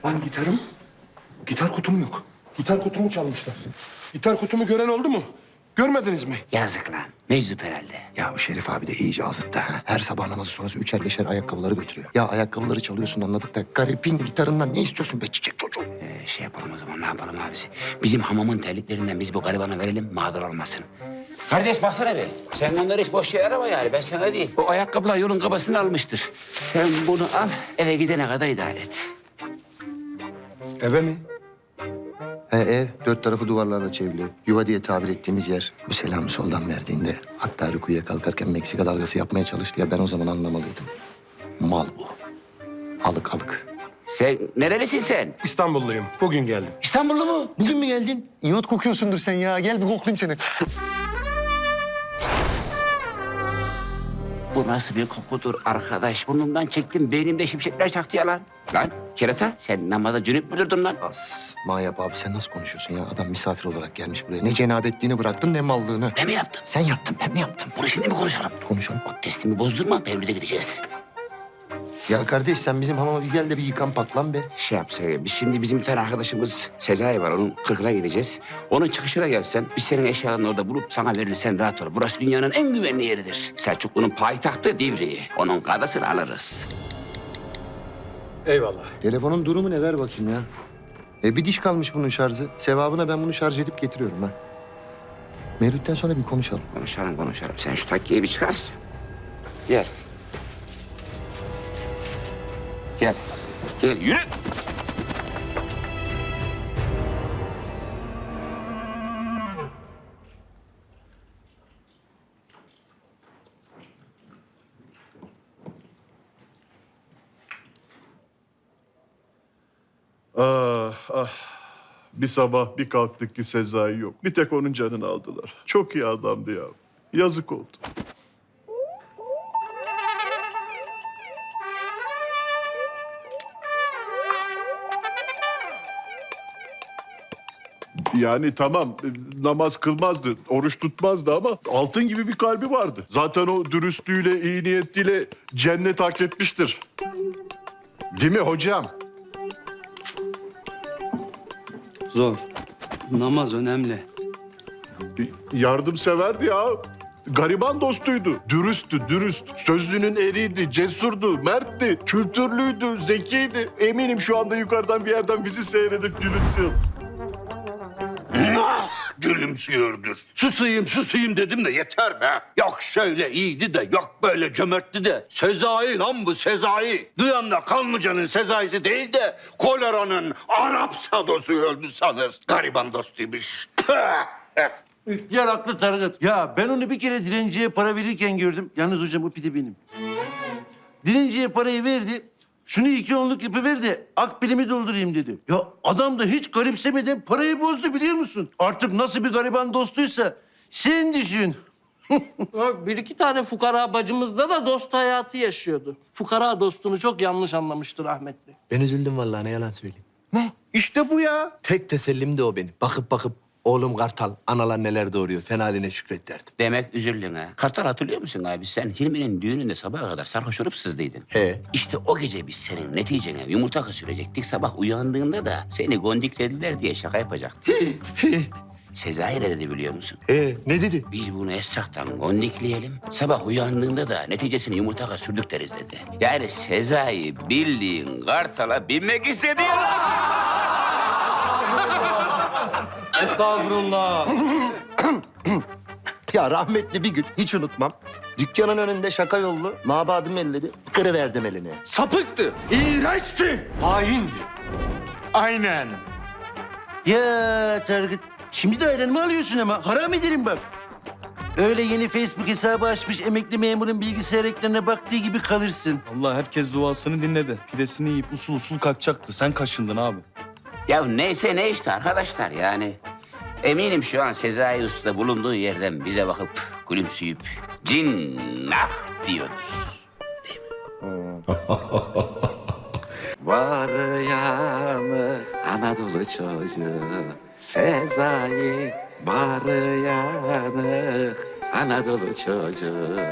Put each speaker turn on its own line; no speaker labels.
Lan gitarım, gitar kutum yok. Gitar kutumu çalmışlar. Gitar kutumu gören oldu mu? Görmediniz mi?
Yazık lan. Meczup herhalde.
Ya bu Şerif abi de iyice azıttı ha. Her sabah namazı sonrası üçer beşer ayakkabıları götürüyor. Ya ayakkabıları çalıyorsun anladık da garipin gitarından ne istiyorsun be çiçek çocuğu?
Şey yapalım o zaman, ne yapalım abisi? Bizim hamamın terliklerinden biz bu garibana verelim, mağdur olmasın. Kardeş baksana be. Sen onları hiç boş yere arama yani. Ben sana değil. O ayakkabılar yolun kabasını almıştır. Sen bunu al, eve gidene kadar idare et.
Eve mi?
He ev, dört tarafı duvarlarla çevrili. Yuva diye tabir ettiğimiz yer. Bu selamı soldan verdiğinde hatta rükuya kalkarken Meksika dalgası yapmaya çalıştı ya ben o zaman anlamalıydım. Mal bu. Alık alık.
Sen nerelisin sen?
İstanbulluyum. Bugün geldim.
İstanbullu mu?
Bugün mü geldin? İyot kokuyorsundur sen ya. Gel bir koklayayım seni.
Bu nasıl bir kokudur arkadaş? Burnumdan çektim, beynimde şimşekler çaktı ya lan. Lan kerata, sen namaza cünüp mü durdun lan?
As, Manyap abi sen nasıl konuşuyorsun ya? Adam misafir olarak gelmiş buraya. Ne cenabetliğini bıraktın ne mallığını.
Ben mi yaptım?
Sen yaptın ben mi yaptım?
Bunu şimdi mi konuşalım?
Konuşalım.
Testimi bozdurma, Mevlüt'e gideceğiz.
Ya kardeş sen bizim hamama bir gel de bir yıkan patlan be.
Şey yapsak, biz şimdi bizim bir tane arkadaşımız Sezai var, onun 40'ına gideceğiz. Onun çıkışına gelsen, biz senin eşyalarını orada bulup sana verirsen rahat ol. Burası dünyanın en güvenli yeridir. Selçuklu'nun payitahtı Divriği. Onun kadasını alırız.
Eyvallah.
Telefonun durumu ne ver bakayım ya. Bir diş kalmış bunun şarjı. Sevabına ben bunu şarj edip getiriyorum ha. Mevlüt'ten sonra bir konuşalım.
Konuşalım. Sen şu takkiyi bir çıkar. Gel. Gel, yürü.
Ah. Bir sabah bir kalktık ki Sezai yok. Bir tek onun canını aldılar. Çok iyi adamdı ya. Yazık oldu. Yani tamam namaz kılmazdı, oruç tutmazdı ama altın gibi bir kalbi vardı. Zaten o dürüstlüğüyle, iyi niyetiyle cennet hak etmiştir. Değil mi hocam?
Zor. Namaz önemli.
Yardımseverdi ya. Gariban dostuydu. Dürüst. Sözlünün eriydi, cesurdu, mertti, kültürlüydü, zekiydi. Eminim şu anda yukarıdan bir yerden bizi seyredip gülümsüyor.
Gülümsüyordur. Susayım dedim de yeter be. Yok şöyle iyiydi de, yok böyle cömertti de. Sezai lan bu Sezai. Duyanla Kanlıca'nın Sezai'si değil de koleranın Arap sadosu öldü sanır. Gariban dostuymuş.
İhtiyar haklı Tarık. Ya ben onu bir kere dilenciye para verirken gördüm. Yalnız hocam o pide benim. Dilenciye parayı verdi. Şunu 2 onluk yapıver de akbilimi doldurayım dedi. Ya adam da hiç garipsemeden parayı bozdu biliyor musun? Artık nasıl bir gariban dostuysa sen düşün.
Bak, bir iki tane fukara bacımızda da dost hayatı yaşıyordu. Fukara dostunu çok yanlış anlamıştır rahmetli.
Ben üzüldüm vallahi ne yalan söyleyeyim. Ne? İşte bu ya. Tek tesellim de o benim. Bakıp oğlum Kartal analar neler doğuruyor. Sen haline şükret derdim.
Demek üzüldün ha. Kartal hatırlıyor musun abi? Sen Hilmi'nin düğününde sabaha kadar sarhoş olup sızdıydın.
He.
İşte o gece biz senin neticene yumurta sürecektik. Sabah uyandığında da seni gondiklediler diye şaka yapacaktık. Sezai ne dedi biliyor musun?
Ne dedi?
Biz bunu Esra'dan gondikleyelim. Sabah uyandığında da neticesini yumurtaka sürdük deriz dedi. Yani Sezai bildiğin Kartal'a binmek istedi ya lan.
Estağfurullah.
Ya rahmetli bir gün hiç unutmam. Dükkanın önünde şaka yollu mabadım elledi. Kırıverdim elini.
Sapıktı, iğrençti, haindi.
Aynen.
Ya Tarık şimdi de ayranımı alıyorsun ama haram ederim bak. Öyle yeni Facebook hesabı açmış emekli memurun bilgisayar ekranına baktığı gibi kalırsın.
Allah herkes duasını dinledi. Pidesini yiyip usul kaçacaktı. Sen kaşındın abi.
Ya neyse ne işte arkadaşlar yani. Eminim şu an Sezai Usta bulunduğu yerden bize bakıp gülümseyip cinnah diyordur. Var yanı Anadolu çocuğu Sezai var yanı Anadolu çocuğu.